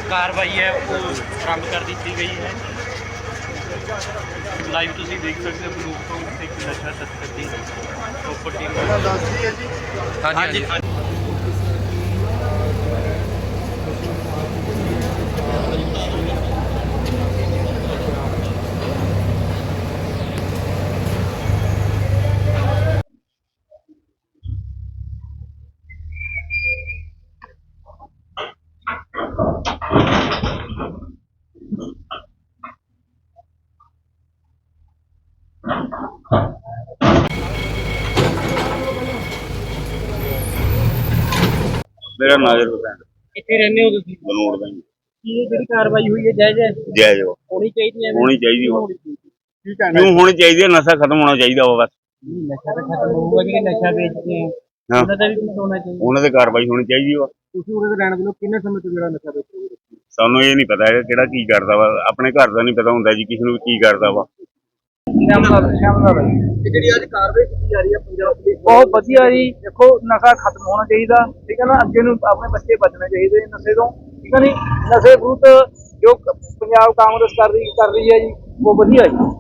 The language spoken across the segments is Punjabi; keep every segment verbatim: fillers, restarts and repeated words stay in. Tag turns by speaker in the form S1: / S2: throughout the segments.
S1: कार्रवाई है वो आरंभ कर दी गई है। लाइव तुम देख सकते हो बलूक तो एक नशा तस्कर की प्रॉपर्टी हाँ जी हाँ जी
S2: मेरा नाजिर हुसैन
S1: कितने रहने हो तुम
S2: बनूड़ में
S1: ये ਜਿਹੜੀ ਕਾਰਵਾਈ ਹੋਈ ਹੈ ਜਾਇਜ਼ ਹੈ
S2: जायज हो
S1: ਹੋਣੀ ਚਾਹੀਦੀ ਹੈ
S2: होनी चाहिए वो
S1: ਕੀ ਕਹਿਣਾ
S2: क्यों होनी चाहिए नशा खत्म होना चाहिए वो बस
S1: ਨਸ਼ਾ ਤਾਂ ਖਤਮ ਹੋਊਗਾ ਜਿਹੜੇ ਨਸ਼ਾ ਵੇਚਦੇ ਆ
S2: हाँ
S1: ਉਹਨਾਂ ਦਾ ਵੀ ਕੁਝ ਹੋਣਾ ਚਾਹੀਦਾ
S2: ਉਹਨਾਂ ਤੇ ਕਾਰਵਾਈ ਹੋਣੀ ਚਾਹੀਦੀ ਵਾ
S1: ਤੁਸੀਂ ਉਹਦੇ ਰਹਿਣ ਦੇ ਲੋ ਕਿੰਨੇ ਸਮੇਂ ਤੋਂ ਜਿਹੜਾ ਨਸ਼ਾ ਵੇਚ ਰਹੇ ਹੋ
S2: ਸਾਨੂੰ ਇਹ ਨਹੀਂ ਪਤਾ ਹੈਗਾ ਕਿਹੜਾ ਕੀ ਕਰਦਾ ਵਾ ਆਪਣੇ ਘਰ ਦਾ ਨਹੀਂ ਪਤਾ ਹੁੰਦਾ ਜੀ ਕਿਸੇ ਨੂੰ ਕੀ ਕਰਦਾ ਵਾ
S1: ਸ਼ਾਮਲਾਲ ਸ਼ਾਮਲਾਲ ਤੇ ਜਿਹੜੀ ਅੱਜ ਕਾਰਵਾਈ ਕੀਤੀ ਜਾ ਰਹੀ ਹੈ ਪੰਜਾਬ ਪੁਲਿਸ ਬਹੁਤ ਵਧੀਆ ਜੀ ਦੇਖੋ ਨਸ਼ਾ ਖਤਮ ਹੋਣਾ ਚਾਹੀਦਾ ਠੀਕ ਹੈ ਨਾ ਅੱਗੇ ਨੂੰ ਆਪਣੇ ਬੱਚੇ ਬਚਣੇ ਚਾਹੀਦੇ ਨਸ਼ੇ ਤੋਂ ਠੀਕ ਹੈ ਨਹੀਂ ਨਸ਼ੇ ਵਿਰੁੱਧ ਜੋ ਪੰਜਾਬ ਕਾਂਗਰਸ ਕਰ ਰਹੀ ਕਰ ਰਹੀ ਹੈ ਜੀ ਉਹ ਵਧੀਆ ਜੀ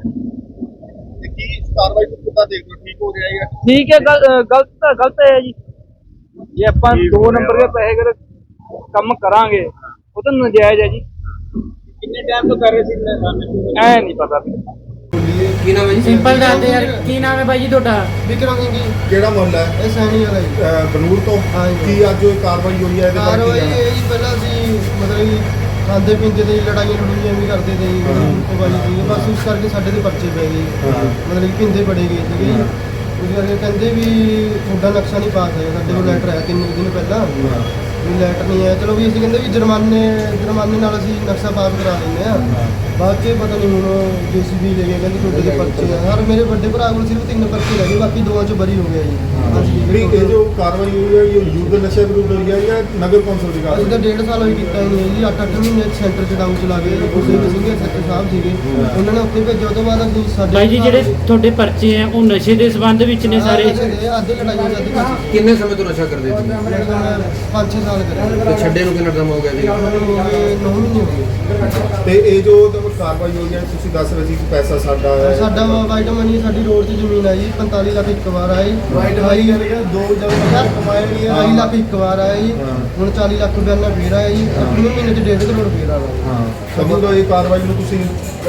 S3: ਕੀ ਕਾਰਵਾਈ ਨੂੰ ਕਿੱਦਾਂ ਦੇਖਦੇ ਹੋ? ਠੀਕ ਹੋ ਰਿਹਾ ਹੈ
S1: ਠੀਕ ਹੈ ਗਲ- ਗਲਤ ਤਾਂ ਗਲਤ ਹੈ ਜੀ ਜੇ ਆਪਾਂ ਦੋ ਨੰਬਰ ਦੇ ਪੈਸੇ ਅਗਰ ਕੰਮ ਕਰਾਂਗੇ ਉਹ ਤਾਂ ਨਜਾਇਜ਼ ਹੈ ਜੀ ਕਿੰਨੇ ਟਾਈਮ ਤੋਂ ਕਰ ਰਹੇ ਸੀ ਐ ਨਹੀਂ ਪਤਾ
S4: ਕੀ ਨਾਮ ਹੈ ਜੀ?
S5: ਸਿੰਪਲ ਦੱਸ ਦੇ ਯਾਰ ਕੀ ਨਾਮ ਹੈ ਬਾਈ ਜੀ ਤੁਹਾਡਾ?
S4: ਵਿਕਰਮ ਸਿੰਘ ਜੀ।
S3: ਕਿਹੜਾ ਮੁਹੱਲਾ ਹੈ?
S4: ਇਹ ਸੈਣੀ ਵਾਲਾ ਜੀ।
S3: ਅਹ ਬਨੂੜ ਤੋਂ
S4: ਹਾਂਜੀ।
S3: ਕੀ ਅੱਜ ਉਹ ਕਾਰਵਾਈ ਹੋਈ ਹੈ ਇਹਦੇ ਬਾਰੇ
S4: ਕਾਰਵਾਈ
S3: ਕੀ ਕਹਿਣਾ?
S4: ਇਹ ਜੀ ਪਹਿਲਾਂ ਅਸੀਂ ਮਤਲਬ ਕਿ ਖਾਂਦੇ ਪੀਂਦੇ ਤੇ ਜੀ ਲੜਾਈਆਂ ਲੜੂਈਆਂ ਵੀ ਕਰਦੇ ਤੇ ਜੀ ਕੁੱਟਵਾਲੀ ਸੀ ਬਸ ਉਸ ਕਰਕੇ ਸਾਡੇ ਤੇ ਪਰਚੇ ਪੈ ਗਏ
S3: ਹਾਂ।
S4: ਮਤਲਬ ਕਿ ਪਿੰਦੇ ਬੜੇ ਗਏ ਸੀਗੇ ਜੀ ਉਸ ਕਰਕੇ ਕਹਿੰਦੇ ਵੀ ਤੁਹਾਡਾ ਨਕਸ਼ਾ ਨਹੀਂ ਪਾਸ ਹੋਇਆ ਸਾਡੇ ਕੋਲ ਲੈਟਰ ਆਇਆ ਤਿੰਨ ਕੁ ਦਿਨ ਪਹਿਲਾਂ ਵੀ ਲੈਟਰ ਨਹੀਂ ਆਇਆ ਚਲੋ ਵੀ ਅਸੀਂ ਕਹਿੰਦੇ ਵੀ ਜੁਰਮਾਨੇ ਜੁਰਮਾਨੇ ਨਾਲ ਅਸੀਂ ਨਕਸ਼ਾ ਪਾਸ ਕਰਾ ਲੈਂਦੇ ਆ ਬਾਅਦ ਚ ਪਤਾ ਨਹੀਂ ਹੁਣ ਜੀਸੀਬੀ ਲੈ ਗਏ ਕਹਿੰਦੇ ਤੁਹਾਡੇ ਦੇ ਪਰਚੇ ਆ ਹਰ ਮੇਰੇ ਵੱਡੇ ਭਰਾ ਕੋਲ ਸਿਰਫ ਤਿੰਨ ਪਰਚੇ ਰਹਿ ਗਏ ਬਾਕੀ ਦੋਵਾਂ ਚ ਬਰੀ ਹੋ ਗਿਆ ਜੀ ਹਾਂਜੀ
S3: ਜਿਹੜੀ ਇਹ ਜੋ ਕਾਰਵਾਈ ਹੋਈ ਹੈ ਇਹ ਯੂਥ ਨਸ਼ਾ ਵਿਰੁੱਧ ਹੋਈ ਹੈ ਜਾਂ ਨਗਰ ਕੌਂਸਲ ਦੀ
S4: ਅਸੀਂ
S3: ਕਾਰਵਾਈ
S4: ਤਾਂ ਡੇਢ ਸਾਲ ਹੋਈ ਕੀਤਾ ਹੀ ਨਹੀਂ ਹੈ ਜੀ ਅੱਠ ਅੱਠ ਮਹੀਨੇ ਸੈਂਟਰ ਚ ਡਾਊਨ ਚਲਾ ਗਏ ਗੁਰਦੇਵ ਸਿੰਘ ਸੈਕਟਰ ਸਾਹਿਬ ਸੀਗੇ ਉਹਨਾਂ ਨੇ ਉੱਥੇ ਭੇਜਿਆ ਉਹ ਤੋਂ ਬਾਅਦ ਅਸੀਂ ਸਾਡੇ
S5: ਬਾਈ ਜੀ ਜਿਹੜੇ ਤੁਹਾਡੇ ਪਰਚੇ ਆ ਉਹ ਨਸ਼ੇ ਦੇ ਸੰਬੰਧ ਵਿੱਚ ਨੇ ਸਾਰੇ
S4: ਅੱਧੇ ਲੜਾਈਆਂ ਅੱਧੇ ਕਾਸੀ
S6: ਕਿੰਨੇ ਸਮੇਂ ਤੋਂ ਨਸ਼ਾ ਕਰਦੇ ਸੀ?
S4: ਪੰਜ ਛੇ ਸਾਲ ਕਰੇ
S6: ਤੇ ਛੱਡੇ ਨੂੰ ਕਿੰਨਾ ਟਾਈਮ ਹੋ ਗਿਆ ਜੀ?
S4: ਨੌ ਮਹੀਨੇ ਹੋ ਗਏ
S3: ਤੇ ਇਹ ਜੋ ਤੁਹਾਨੂੰ ਕਾਰਵਾਈ ਹੋਈ ਹੈ ਤੁਸੀਂ ਦੱਸ ਰਹੇ ਸੀ ਕਿ ਪੈਸਾ ਸਾਡਾ ਹੈ
S4: ਸਾਡਾ ਵਾਈਟ ਮਨੀ ਸਾਡੀ ਰੋਡ 'ਚ ਜ਼ਮੀਨ ਆਈ ਪੰਤਾਲੀ ਲੱਖ ਇੱਕ ਵਾਰ ਆਈ
S3: ਵਾਈਟ ਵਾਲੀ ਗੱਲ ਦੋ ਜਗ੍ਹਾ ਕਮਾਇਆ ਨਹੀਂ ਹੈ
S4: ਢਾਈ ਲੱਖ ਇੱਕ ਵਾਰ ਆਇਆ ਜੀ
S3: ਹਾਂ।
S4: ਹੁਣ ਚਾਲੀ ਲੱਖ ਰੁਪਏ ਨਾਲ ਫੇਰ ਆਇਆ ਜੀ ਅਗਲੇ ਮਹੀਨੇ 'ਚ ਡੇਢ ਕਰੋੜ ਫੇਰ ਆਇਆ
S3: ਹਾਂ ਸਮਝ ਲਓ ਇਹ ਕਾਰਵਾਈ ਨੂੰ ਤੁਸੀਂ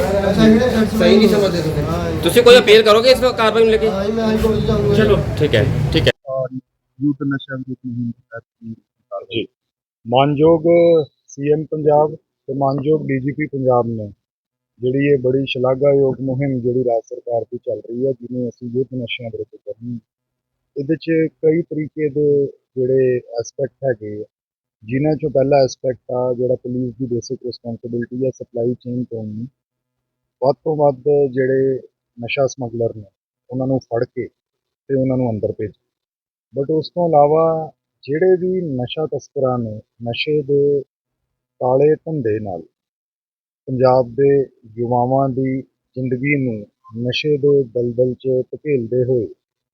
S4: ਸਹੀ
S6: ਨਹੀਂ ਸਮਝਦੇ ਤੁਸੀਂ?
S4: ਹਾਂ ਜੀ।
S6: ਤੁਸੀਂ ਕੋਈ ਅਪੀਲ ਕਰੋਗੇ ਇਸ ਕਾਰਵਾਈ ਨੂੰ ਲੈ ਕੇ?
S4: ਹਾਂ ਜੀ, ਮੈਂ ਹਾਈ ਕੋਰਟ ਜਾਊਂਗਾ
S5: ਚਲੋ ਠੀਕ ਹੈ ਠੀਕ ਹੈ
S3: ਯੂਥ ਨਸ਼ਾ ਵਿਰੁੱਧ ਮੁਹਿੰਮ ਤਹਿਤ
S7: ਜੀ ਮਾਨਯੋਗ ਸੀਐਮ ਪੰਜਾਬ ਤੇ ਮਾਨਯੋਗ ਡੀਜੀਪੀ ਪੰਜਾਬ ਨੇ ਜਿਹੜੀ ਇਹ ਬੜੀ ਸ਼ਲਾਘਾਯੋਗ ਮੁਹਿੰਮ ਜਿਹੜੀ ਰਾਜ ਸਰਕਾਰ ਦੀ ਚੱਲ ਰਹੀ ਹੈ ਜਿਹਨੂੰ ਅਸੀਂ ਯੂਥ ਨਸ਼ਿਆਂ ਵਿਰੁੱਧ ਕਰਨੀ ਇਹਦੇ 'ਚ ਕਈ ਤਰੀਕੇ ਦੇ ਜਿਹੜੇ ਐਸਪੈਕਟ ਹੈਗੇ ਆ ਜਿਨ੍ਹਾਂ 'ਚੋਂ ਪਹਿਲਾ ਐਸਪੈਕਟ ਆ ਜਿਹੜਾ ਪੁਲਿਸ ਦੀ ਬੇਸਿਕ ਰਿਸਪੌਂਸਿਬਿਲਟੀ ਹੈ ਸਪਲਾਈ ਚੇਨ ਤੋਂ ਵੱਧ ਤੋਂ ਵੱਧ ਜਿਹੜੇ ਨਸ਼ਾ ਸਮਗਲਰ ਨੇ ਉਹਨਾਂ ਨੂੰ ਫੜ ਕੇ ਤੇ ਉਹਨਾਂ ਨੂੰ ਅੰਦਰ ਭੇਜ ਬਟ ਉਸ ਤੋਂ ਇਲਾਵਾ ਜਿਹੜੇ ਵੀ ਨਸ਼ਾ ਤਸਕਰਾਂ ਨੇ ਨਸ਼ੇ ਦੇ ਕਾਲੇ ਧੰਦੇ ਨਾਲ ਪੰਜਾਬ ਦੇ ਯੁਵਾਵਾਂ ਦੀ ਜ਼ਿੰਦਗੀ ਨੂੰ ਨਸ਼ੇ ਦੇ ਦਲਦਲ 'ਚ ਧਕੇਲਦੇ ਹੋਏ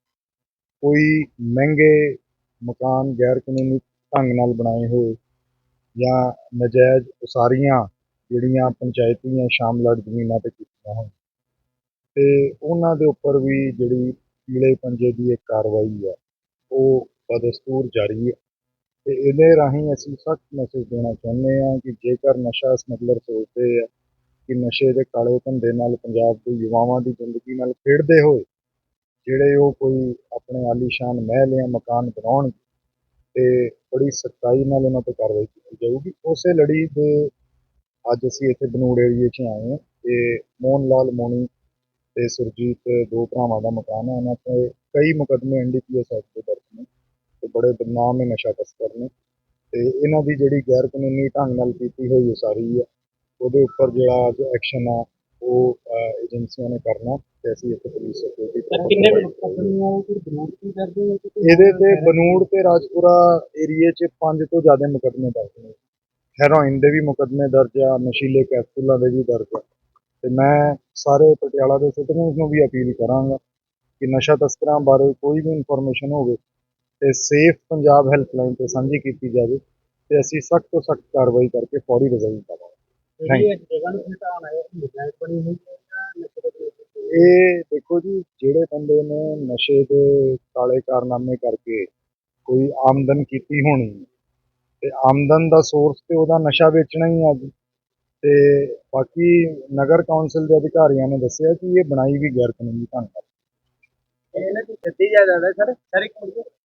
S7: ਕੋਈ ਮਹਿੰਗੇ ਮਕਾਨ ਗੈਰ ਕਾਨੂੰਨੀ ਢੰਗ ਨਾਲ ਬਣਾਏ ਹੋਏ ਜਾਂ ਨਜਾਇਜ਼ ਉਸਾਰੀਆਂ ਜਿਹੜੀਆਂ ਪੰਚਾਇਤੀ ਜਾਂ ਸ਼ਾਮਲਾਟ ਜ਼ਮੀਨਾਂ 'ਤੇ ਕੀਤੀਆਂ ਹੋਣ ਅਤੇ ਉਹਨਾਂ ਦੇ ਉੱਪਰ ਵੀ ਜਿਹੜੀ ਪੀਲੇ ਪੰਜੇ ਦੀ ਇੱਕ ਕਾਰਵਾਈ ਹੈ ਉਹ ਬਦਸਤੂਰ ਜਾਰੀ ਹੈ ਅਤੇ ਇਹਦੇ ਰਾਹੀਂ ਅਸੀਂ ਸਖਤ ਮੈਸੇਜ ਦੇਣਾ ਚਾਹੁੰਦੇ ਹਾਂ ਕਿ ਜੇਕਰ ਨਸ਼ਾ ਸਮਗਲਰ ਸੋਚਦੇ ਆ ਕਿ ਨਸ਼ੇ ਦੇ ਕਾਲੇ ਧੰਦੇ ਨਾਲ ਪੰਜਾਬ ਦੇ ਯੁਵਾਵਾਂ ਦੀ ਜ਼ਿੰਦਗੀ ਨਾਲ ਖੇਡਦੇ ਹੋਏ ਜਿਹੜੇ ਉਹ ਕੋਈ ਆਪਣੇ ਆਲੀਸ਼ਾਨ ਮਹਿਲ ਜਾਂ ਮਕਾਨ ਬਣਾਉਣਗੇ ਅਤੇ ਬੜੀ ਸਖਤਾਈ ਨਾਲ ਉਹਨਾਂ 'ਤੇ ਕਾਰਵਾਈ ਕੀਤੀ ਜਾਊਗੀ। ਉਸੇ ਲੜੀ ਦੇ ਅੱਜ ਅਸੀਂ ਇੱਥੇ ਬਨੂੜ ਏਰੀਏ 'ਚ ਆਏ ਹਾਂ ਅਤੇ ਮੋਹਨ ਲਾਲ ਮੋਣੀ ਅਤੇ ਸੁਰਜੀਤ ਦੋ ਭਰਾਵਾਂ ਦਾ ਮਕਾਨ ਹੈ ਉਹਨਾਂ 'ਤੇ ਕਈ ਮੁਕੱਦਮੇ N D P S act ਦੇ ਦਰਜ ਨੇ ਅਤੇ ਬੜੇ ਬਦਨਾਮ ਨਸ਼ਾ ਤਸਕਰ ਨੇ ਅਤੇ ਇਹਨਾਂ ਦੀ ਜਿਹੜੀ ਗੈਰ ਕਾਨੂੰਨੀ ਢੰਗ ਨਾਲ ਕੀਤੀ ਹੋਈ ਉਸਾਰੀ ਆ ਉਹਦੇ ਉੱਪਰ ਜਿਹੜਾ ਅੱਜ ਐਕਸ਼ਨ ਆ ਉਹ ਏਜੰਸੀਆਂ ਨੇ ਕਰਨਾ ਅਤੇ ਅਸੀਂ ਇੱਥੇ ਪੁਲਿਸ ਇਹਦੇ 'ਤੇ ਬਨੂੜ ਅਤੇ ਰਾਜਪੁਰਾ ਏਰੀਏ 'ਚ ਪੰਜ ਤੋਂ ਜ਼ਿਆਦਾ ਮੁਕੱਦਮੇ ਦਰਜ ਨੇ। ਹੈਰੋਇਨ ਦੇ ਵੀ ਮੁਕੱਦਮੇ ਦਰਜ ਆ ਨਸ਼ੀਲੇ ਕੈਪਸੂਲਾਂ ਦੇ ਵੀ ਦਰਜ ਆ ਅਤੇ ਮੈਂ ਸਾਰੇ ਪਟਿਆਲਾ ਦੇ ਸਿਟੀਜ਼ਨਸ ਨੂੰ ਵੀ ਅਪੀਲ ਕਰਾਂਗਾ ਕਿ ਨਸ਼ਾ ਤਸਕਰਾਂ ਬਾਰੇ ਕੋਈ ਵੀ ਇਨਫੋਰਮੇਸ਼ਨ ਹੋਵੇ ਅਤੇ ਸੇਫ ਪੰਜਾਬ ਹੈਲਪਲਾਈਨ 'ਤੇ ਸਾਂਝੀ ਕੀਤੀ ਜਾਵੇ ਤੇ ਅਸੀਂ ਸਖਤ ਤੋਂ ਸਖਤ ਕਾਰਵਾਈ ਕਰਕੇ ਫੌਰੀ ਰਿਜ਼ਲਟ ਪਾਵਾਂਗੇ। Thank you. ਇਹ ਦੇਖੋ ਜੀ, ਜਿਹੜੇ ਬੰਦੇ ਨੇ ਨਸ਼ੇ ਦੇ ਕਾਲੇ ਕਾਰਨਾਮੇ ਕਰਕੇ ਕੋਈ ਆਮਦਨ ਕੀਤੀ ਹੋਣੀ ਤੇ ਆਮਦਨ ਦਾ ਸੋਰਸ ਤੇ ਉਹਦਾ ਨਸ਼ਾ ਵੇਚਣਾ ਹੀ ਆ ਜੀ। ਤੇ ਬਾਕੀ ਨਗਰ ਕੌਂਸਲ ਦੇ ਅਧਿਕਾਰੀਆਂ ਨੇ ਦੱਸਿਆ ਕਿ ਇਹ ਬਣਾਈ ਵੀ ਗੈਰ ਕਾਨੂੰਨੀ ਢੰਗ ਨਾਲ।
S1: ਇਹਨਾਂ ਦੀ ਗੱਡੀ ਜਾਇਦਾਦ ਹੈ ਸਰ ਸਰ ਇੱਕ ਮਿੰਟ